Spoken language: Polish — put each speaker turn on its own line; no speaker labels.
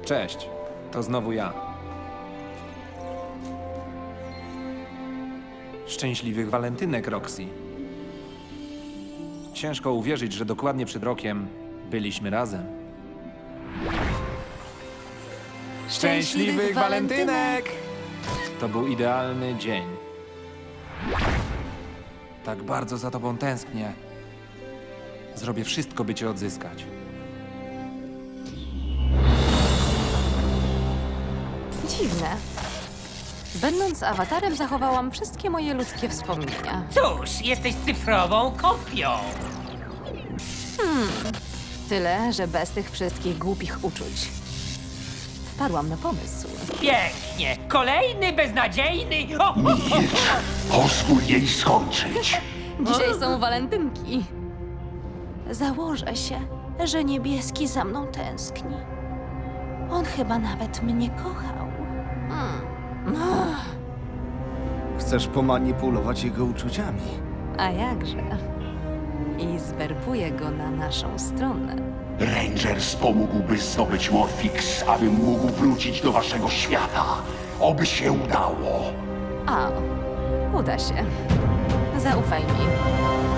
Cześć, to znowu ja. Szczęśliwych walentynek, Roxy. Ciężko uwierzyć, że dokładnie przed rokiem byliśmy razem. Szczęśliwych walentynek! To był idealny dzień. Tak bardzo za tobą tęsknię. Zrobię wszystko, by cię odzyskać.
Dziwne. Będąc awatarem, zachowałam wszystkie moje ludzkie wspomnienia.
Cóż, jesteś cyfrową kopią.
Tyle, że bez tych wszystkich głupich uczuć. Wpadłam na pomysł.
Pięknie. Kolejny beznadziejny... O!
Pozwól jej skończyć.
Dzisiaj są walentynki. Założę się, że niebieski za mną tęskni. On chyba nawet mnie kochał.
Chcesz pomanipulować jego uczuciami?
A jakże? I zwerbuję go na naszą stronę.
Rangers pomógłby zdobyć Morfix, abym mógł wrócić do waszego świata. Oby się udało.
A, uda się. Zaufaj mi.